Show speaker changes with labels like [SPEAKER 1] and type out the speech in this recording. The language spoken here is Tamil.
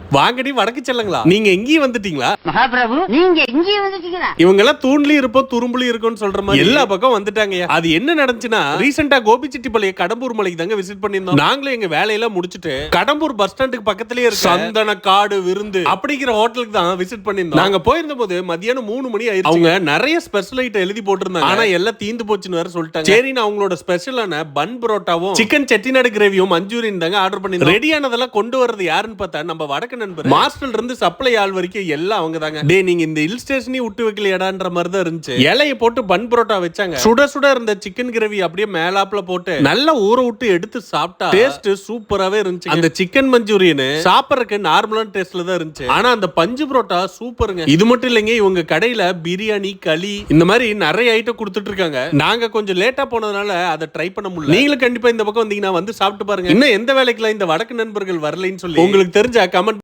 [SPEAKER 1] வாங்கடி வடக்கு செல்லுங்களா, நீங்க எங்கேயும் வந்துட்டீங்களா
[SPEAKER 2] மகாபிரபு? நீங்க எங்கேயும் வந்துட்டீங்களா?
[SPEAKER 1] இவங்க எல்லாம் தூண்லயும் இருப்போம் துரும்புலயும் இருக்கும்னு சொல்ற மாதிரி எல்லா பக்கம் வந்துட்டாங்க. அது என்ன நடந்துச்சுன்னா, ரீசெண்டா கோபிச்செட்டிப்பாளையம் கடம்பூர் மலைக்கு தாங்க விசிட் பண்ணிருந்தோம். நாங்களும் எங்க வேலையெல்லாம் முடிச்சிட்டு கடம்பூர் பஸ் ஸ்டாண்டுக்கு பக்கத்துலயே இருக்கு சந்தன காடு விருந்து அப்படிங்கிற ஹோட்டலுக்கு தான் விசிட் பண்ணிருந்தோம். நாங்க போயிருந்த போது மதியானம் 3 மணி ஆயிடுச்சு. அவங்க நிறைய ஸ்பெஷல் ஐட்டம் எழுதி போட்டிருந்தாங்க. ஆனா எல்லாம் தீந்து போச்சுன்னு வேற சொல்லிட்டாங்க. சரி, நான் அவங்களோட ஸ்பெஷலான பன் பரோட்டாவும் சிக்கன் செட்டிநாடு கிரேவியும் மஞ்சூரியன் தாங்க ஆர்டர் பண்ணிருந்தோம். ரெடியானதெல்லாம் கொண்டு வரது யாருன்னு பார்த்தா நம்ம வடக்கு நண்பர். மாஸ்டர்ல இருந்து சப்ளை ஆள் வரைக்கும் எல்லாம் அவங்க தாங்க. டே, நீங்க இந்த ஹில் ஸ்டேஷனையும் விட்டு வைக்கலையாடான்ற மாதிரி தான் இருந்துச்சு. இலையை போட்டு பன் பரோட்டா வச்சாங்க. சுட சுட இருந்த சிக்கன் கிரேவி அப்படியே மேலாப்ல போட்டு நல்லா ஊற விட்டு எடுத்து சாப்பிட்டா டேஸ்ட் சூப்பராவே இருந்துச்சு. அந்த சிக்கன் மஞ்சூரியன் சாப்பிடறதுக்கு நார்மலான டேஸ்ட்ல தான் இருந்துச்சு. ஆனா அந்த பஞ்சு பரோட்டா சூப்பருங்க. இது மட்டும் இல்லைங்க, இவங்க கடையில பிரியாணி, களி இந்த மாதிரி நிறைய ஐட்டம் கொடுத்துட்டு இருக்காங்க. நாங்க கொஞ்சம் லேட்டா போனதுனால அதை ட்ரை பண்ண முடியல. நீங்களும் கண்டிப்பா இந்த பக்கம் வந்தீங்கன்னா வந்து சாப்பிட்டு பாருங்க. இன்னும் எந்த வேலைக்குலாம் இந்த வடக்கு நண்பர்கள் வரலைன்னு சொல்லி உங்களுக்கு தெரிஞ்ச கமெண்ட்